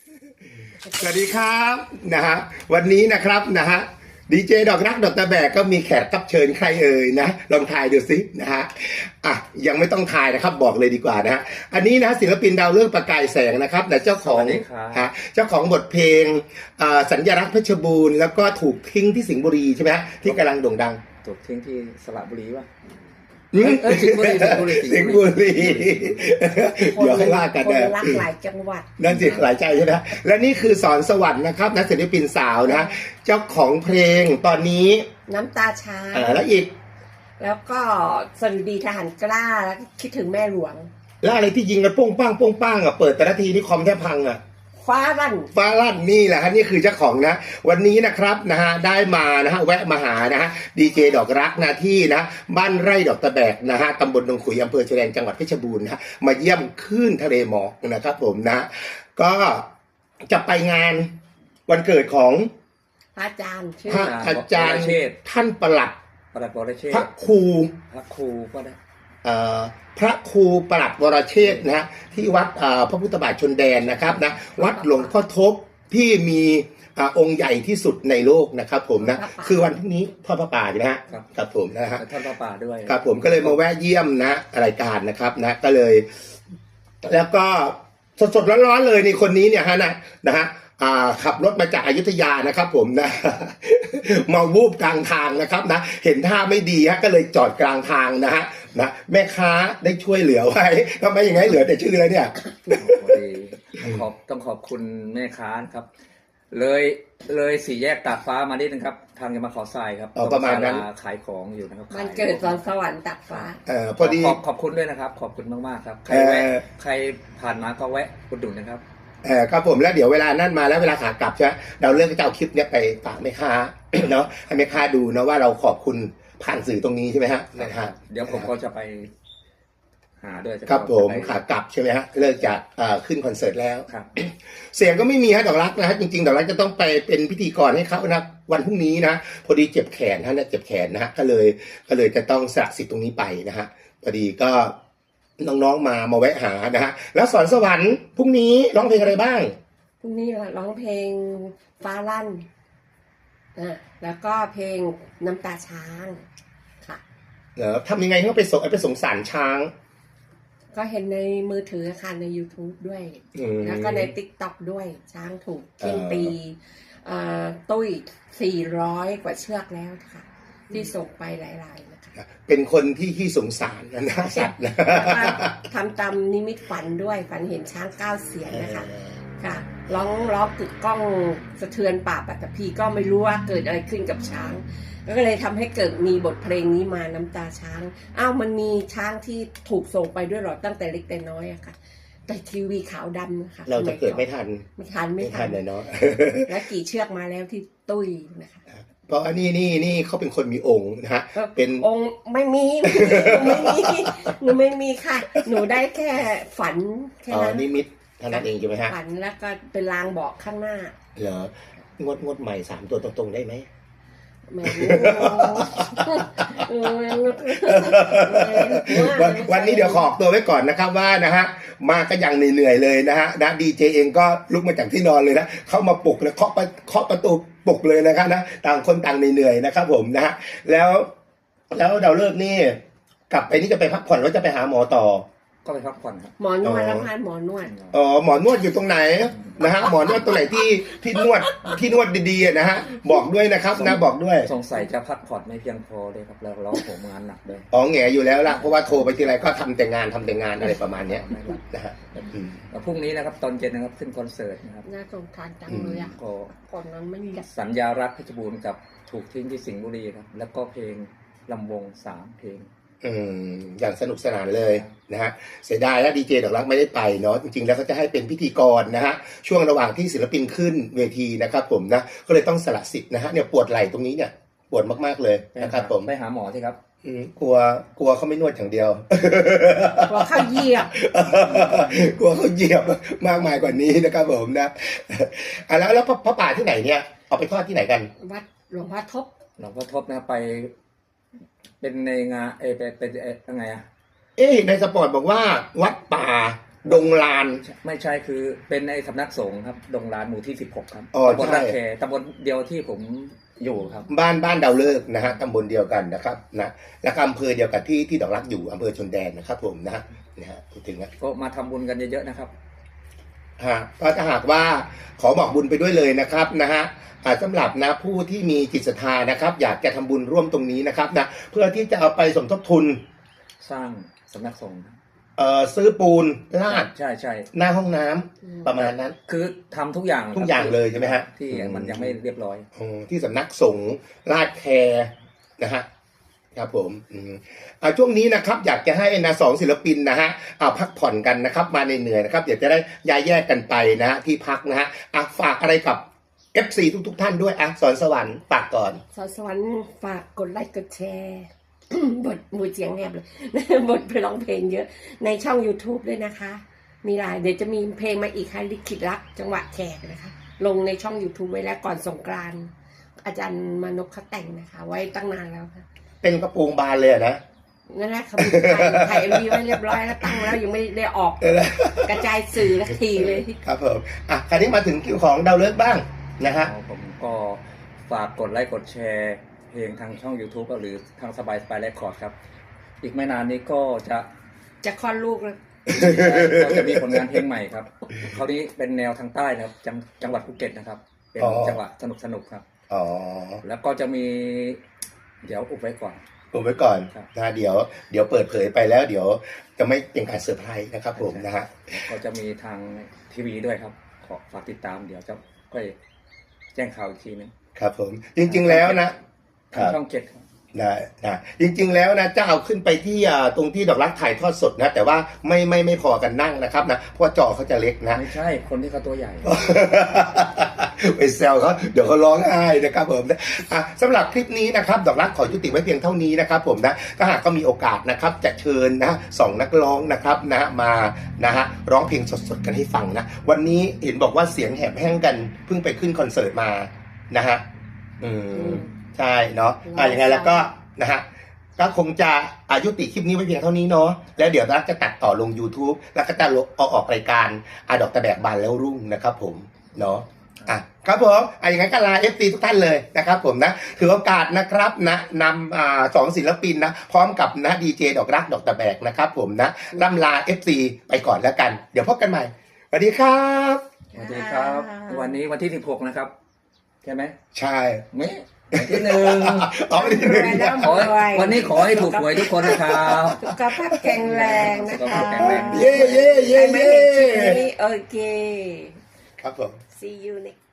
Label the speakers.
Speaker 1: สวัสดีครับนะฮะวันนี้นะครับนะฮะดีเจดอกรักดอกตะแบกก็มีแขกรับเชิญใครเอ่ยนะลองทายดูสินะฮะอ่ะยังไม่ต้องทายนะครับบอกเลยดีกว่านะฮะอันนี้นะศิลปินดาวเรื่องประกายแสงนะครับนะเจ้าของฮะเจ้าของบทเพลงสัญลักษณ์เพชรบูรณ์แล้วก็ถูกทิ้งที่สิงห์บุรีใช่ไหมฮะที่กำลังโด่งดัง
Speaker 2: ถูกทิ้งที่สระบุรีวะ
Speaker 1: สิงห์บุรีเดี๋ยวให้ว่ากันนะ
Speaker 3: รักหลายจังหวัด
Speaker 1: นั่นสิหลายใจใช่ไหมและนี่คือสอนสวรรค์นะครับนักศิลปินสาวนะเจ้าของเพลงตอนนี้
Speaker 3: น้ำตาช้าง
Speaker 1: แล้วอีก
Speaker 3: แล้วก็สวัสดีทหารกล้าแล้วคิดถึงแม่หลวง
Speaker 1: แล้วอะไรที่ยิงกันป้งป้างป้งป้างอ่ะเปิดแต่ละทีนี่คอมแทบพังอ่ะ
Speaker 3: ฟ้าลั่น
Speaker 1: นี่แหละฮะนี่คือเจ้าของนะวันนี้นะครับนะฮะได้มานะฮะแวะมาหานะฮะดีเจดอกรักนะที่นะบ้านไร่ดอกตะแบกนะฮะตำบลดงขุยอำเภอชแดงจังหวัดเพชรบูรณ์นะมาเยี่ยมคลื่นทะเลหมอกนะครับผมนะก็จะไปงานวันเกิดของ
Speaker 3: พระอาจารย์
Speaker 1: ท่านประหลัดพระครู
Speaker 2: ก็ได้
Speaker 1: พระครูประหลัดวรเชษฐ์นะฮะที่วัดพระพุทธบาทชนแดนนะครับนะวัดหลวงพ่อทบที่มีองค์ใหญ่ที่สุดในโลกนะครับผมนะคือวันพรุ่งนี้ทอดพระป่าใช่ไหมฮะครับผมนะฮะ
Speaker 2: ทอดพระป่าด้วย
Speaker 1: ครับผมก็เลยมาแวะเยี่ยมนะรายการนะครับนะก็เลยแล้วก็สดๆร้อนๆเลยในคนนี้เนี่ยฮะนะฮะขับรถมาจากอยุธยานะครับผมนะมาวูบกลางทางนะครับนะเห็นท่าไม่ดีฮะก็เลยจอดกลางทางนะฮะนะแม่ค้าได้ช่วยเหลือไว้ทำไมอย่างไรเหลือแต่ชื่อเรือเนี่ย
Speaker 2: ต้องขอบคุณแม่ค้าครับเลยสี่แยกตากฟ้ามานิดนึงครับทางจะมาขอทรายครับ
Speaker 1: ประมาณนั้น
Speaker 2: ขายของอยู่นะครับ
Speaker 3: มันเกิดตอนสวรรค์ตากฟ้า
Speaker 1: พอดี
Speaker 2: ขอบคุณด้วยนะครับขอบคุณมากๆครับใครผ่านมาก็แวะอุดหนุนนะครับ
Speaker 1: ครับผมแล้วเดี๋ยวเวลานั่นมาแล้วเวลาขากลับใช่ไหมเราเลือกจะเอาคลิปเนี้ยไปฝากแม่ค้าเนาะให้แม่ค้าดูนะว่าเราขอบคุณผ่านสื่อตรงนี้ใช่ไหมฮะนะฮะ
Speaker 2: เดี๋ยวผมก็จะไปหาด้วย
Speaker 1: ครับผมขากลับใช่ไหมฮะเลิกจากขึ้นคอนเสิร์ตแล้ว
Speaker 2: ครับ
Speaker 1: เสียงก็ไม่มีฮะดอกรักนะฮะจริงๆดอกรักจะต้องไปเป็นพิธีกรให้เขานะวันพรุ่งนี้นะพอดีเจ็บแขนฮะเนี่ยเจ็บแขนนะฮะก็เลยจะต้องสละสิทธิ์ตรงนี้ไปนะฮะพอดีก็น้องๆมาแวะหานะฮะแล้วสอนสวรรค์พรุ่งนี้ร้องเพลงอะไรบ้าง
Speaker 3: พรุ่งนี้ร้องเพลงฟ้าลั่นแล้วก็เพลงน้ำตาช้างค่ะ
Speaker 1: ทำยังไงให้เขาไปสงสารช้าง
Speaker 3: ก็เห็นในมือถือค่ะใน YouTube ด้วยแล้วก็ใน TikTok ด้วยช้างถูกทิ้งตีตุ้ย400 กว่าเชือกแล้วค่ะที่ส่งไปหลายๆนะคะ
Speaker 1: เป็นคนที่ขี้สงสารนะสัตว์นะ
Speaker 3: ทำตามนิมิตฝันด้วยฝันเห็นช้าง9 เสียนนะคะค่ะร้องกึกก้องสะเทือนป่าปัตตภีก็ไม่รู้ว่าเกิดอะไรขึ้นกับช้างก็เลยทำให้เกิดมีบทเพลงนี้มาน้ำตาช้างมันมีช้างที่ถูกส่งไปด้วยหรอตั้งแต่เล็กแต่น้อยอะค่ะแต่ทีวีขาวดำค่ะ
Speaker 1: เราจะเกิดไม่ทัน
Speaker 3: เลยเนาะและกี่เชือกมาแล้วที่ตุ้ยนะคะ
Speaker 1: เพราะอันนี้เขาเป็นคนมีองค์นะฮะ
Speaker 3: เป็นองค์ไม่มีหนูไม่มีค่ะหนูได้แค่ฝันแค่นั้น
Speaker 1: นิมิตเท่านั้นเองใช่ไหมฮะ
Speaker 3: ฝันแล้วก็เป็นลางบอกข้างหน้า
Speaker 1: เหรองวดใหม่3 ตัวตรงๆได้ไหมวันนี้เดี๋ยวขอตัวไว้ก่อนนะครับว่านะฮะมาก็ยังเหนื่อยเลยนะฮะดีเจเองก็ลุกมาจากที่นอนเลยนะเข้ามาปลุกแล้วเคาะประตูปลุกเลยนะครับนะต่างคนต่างเหนื่อยนะครับผมนะฮะแล้วเราเลิกนี่กลับไปนี่จะไปพักผ่อนแล้วจะไปหาหมอต่อ
Speaker 2: ก็ไปพักผ่อนครับ
Speaker 3: หมอนวดแล้วค่ะหมอนวด
Speaker 1: หมอนวดอยู่ตรงไหนนะฮะหมอนวดตรงไหนที่นวดดีๆนะฮะบอกด้วยนะครับนะบอกด้วย
Speaker 2: สงสัยจะพักผ่อนไม่เพียงพอเลยครับแล้วเราผมงานหนักด้วย
Speaker 1: แง่อยู่แล้วล่ะเพราะว่าโทรไปทีไรก็ทำแต่งานอะไรประมาณนี้นะฮะ
Speaker 2: พรุ่งนี้นะครับตอนเย็นนะครับขึ้นคอนเสิร์ตนะครับ
Speaker 3: น่าสงสารจังเลยก่อนนั้นไม่มี
Speaker 2: สัญญารักเพชรบูรณ์กับถูกทิ้งที่สิงห์บุรีครับแล้วก็เพลงลำวง3 เพลง
Speaker 1: อย่างสนุกสนานเลยนะฮะเสียดายแล้วดีเจดอกรักไม่ได้ไปเนาะจริงๆแล้วเขาจะให้เป็นพิธีกรนะฮะช่วงระหว่างที่ศิลปินขึ้นเวทีนะครับผมนะก็เลยต้องสละสิทธิ์นะฮะเนี่ยปวดไหล่ตรงนี้เนี่ยปวดมากๆเลยนะครับผม
Speaker 2: ไปหาหมอสิครับ
Speaker 1: กลัวเขาไม่นวดอย่างเดียว
Speaker 3: กลัวเขาเหยียบ
Speaker 1: กลัวเขาเหยียบมากมายกว่านี้นะครับผมนะแล้วพระป่าที่ไหนเนี่ยเอาไปทอดที่ไหนกัน
Speaker 3: วัดหลวงพ่อ
Speaker 2: ทบนะไปเป็นในงานเป็นยังไง
Speaker 1: ในสปอร์ตบอกว่าวัดป่าดงลาน
Speaker 2: ไม่ใช่คือเป็นในสำนักสงฆ์ครับดงลานหมู่ที่ 16 ครับ
Speaker 1: อ๋อ
Speaker 2: ตำบล
Speaker 1: ใช่
Speaker 2: รักแคตำบลเดียวที่ผมอยู่ครับ
Speaker 1: บ้านดาวเลิกษ์นะฮะตำบลเดียวกันนะครับนะแล้วก็อำเภอเดียวกับที่ดอกรักอยู่อำเภอชนแดนนะครับผมนะฮะพูดถึงนะ
Speaker 2: ก็มาทำบุญกันเยอะๆนะครับ
Speaker 1: ก็ถ้าหากว่าขอบอกบุญไปด้วยเลยนะครับนะฮะสำหรับนะผู้ที่มีจิตศรัทธานะครับ อยากจะทำบุญร่วมตรงนี้นะครับนะเพื่อที่จะเอาไปสมทบทุน
Speaker 2: สร้างสำนักสงฆ์ครับ
Speaker 1: ซื้อปูนลาด
Speaker 2: ใช่ใช่
Speaker 1: หน้าห้องน้ำประมาณนั้น
Speaker 2: คือทำทุกอย่าง
Speaker 1: ทุกอย่างเลยใช่ไหมฮะ
Speaker 2: ที่มันยังไม่เรียบร้อย
Speaker 1: ที่สำนักสงฆ์ลาดแคนะฮะครับผมช่วงนี้นะครับอยากจะให้นะสองศิลปินนะฮะพักผ่อนกันนะครับมาเหนื่อยๆนะครับอยากจะได้ย้ายแยกกันไปนะฮะที่พักนะฮะฝากอะไรกับ FC ทุกท่านด้วยสอนสวรรค์ฝากก่อน
Speaker 3: สอนสวรรค์ฝากกดไลค์กดแชร์ บทมูเสียงแหบเลย บทไปร้องเพลงเยอะ ในช่อง YouTube ด้วยนะคะ มีหลายเดี๋ยวจะมีเพลงมาอีกค่ะลิขิตรักจังหวะแขกนะคะ ลงในช่อง YouTube ไว้แล้วก่อนสงกรานต์อาจารย์มานพเขาแต่งนะคะ ไว้ตั้งนานแล้วค่ะ
Speaker 1: เป็นกระโปรงบานเลยนะ
Speaker 3: นั่นแหละเขาถ่าย MV ไว้เรียบร้อยแล้วตั้งแล้วยังไม่ได้ออกกระจายสื่อละทีเลย
Speaker 1: ครับผมคราวนี้มาถึงคิวของดาวเลิกบ้างนะฮะ
Speaker 2: ผมก็ฝากกดไลค์กดแชร์เพลงทางช่อง YouTube หรือทางสบายเรคคอร์ดครับ อีกไม่นานนี้ก็จะ
Speaker 3: จะคลอดลูกแล้ว
Speaker 2: ก็จะมีผลงานเพลงใหม่ครับคราวนี้เป็นแนวทางใต้นะครับจังหวัดภูเก็ตนะครับ เป็นจังหวะสนุกครับ
Speaker 1: อ๋อ
Speaker 2: แล้วก็จะมีเดี๋ยวอุบไว้ก่อน
Speaker 1: ผมไว้ก่อน
Speaker 2: ครับ
Speaker 1: นะเดี๋ยวเปิดเผยไปแล้วเดี๋ยวจะไม่เป็นการเซอร์ไพรส์นะครับผมนะฮะ
Speaker 2: ก็จะมีทางทีวีด้วยครับขอฝากติดตามเดี๋ยวจะค่อยแจ้งข่าวอีกทีนึง
Speaker 1: ครับผมจริงๆแล้วนะค
Speaker 2: ทาง
Speaker 1: รับ
Speaker 2: ช่อง 7 ครับ
Speaker 1: นะจริงๆแล้วนะจะเอาขึ้นไปที่ตรงที่ดอกรักถ่ายทอดสดนะแต่ว่าไม่พอกันนั่งนะครับนะเพราะว่าจอเขาจะเล็กนะ
Speaker 2: ไม่ใช่คนที่เขาตัวใหญ่
Speaker 1: ไปแซวเขาเดี๋ยวเขาร้องไห้นะครับผมสำหรับคลิปนี้นะครับดอกรักขอยุติไว้เพียงเท่านี้นะครับผมนะถ้าหากก็มีโอกาสนะครับจะเชิญนะสองนักร้องนะครับนะมานะฮะร้องเพลงสดๆกันให้ฟังนะวันนี้เห็นบอกว่าเสียงแหบแห้งกันเพิ่งไปขึ้นคอนเสิร์ตมานะฮะใช่เนาะยังไงแล้วก็นะฮะก็คงจะยุติคลิปนี้ไว้เพียงเท่านี้เนาะแล้วเดี๋ยวรักจะตัดต่อลง YouTube แล้วก็จะเอาออกรายการดอกตะแบกบานแล้วรุ่งนะครับผมเนาะครับผมอย่างนั้นก็ลา FT ทุกท่านเลยนะครับผมนะถือโอกาสนะครับนะนำสองศิลปินนะพร้อมกับนะดีเจดอกรักดอกตะแบกนะครับผมนะล่ำลา FT ไปก่อนแล้วกันเดี๋ยวพบกันใหม่สวัสดีครับ
Speaker 2: สวัสดีครับ วันนี้วันที่ 16 นะครับ ใช่ไหม
Speaker 1: ใช่
Speaker 2: ไม่วันที่ 1
Speaker 1: วันที่หนึ่ง
Speaker 2: วันนี้ขอให้ถูกหวยทุกคนนะครับ
Speaker 3: สุขภาพแข็งแรงนะ
Speaker 2: สุข
Speaker 3: คะ
Speaker 2: ภาพแข็งแรง
Speaker 1: เย่
Speaker 3: ใครไม่เห็นคลิปนี้โอเค
Speaker 1: ครับผม
Speaker 3: see you next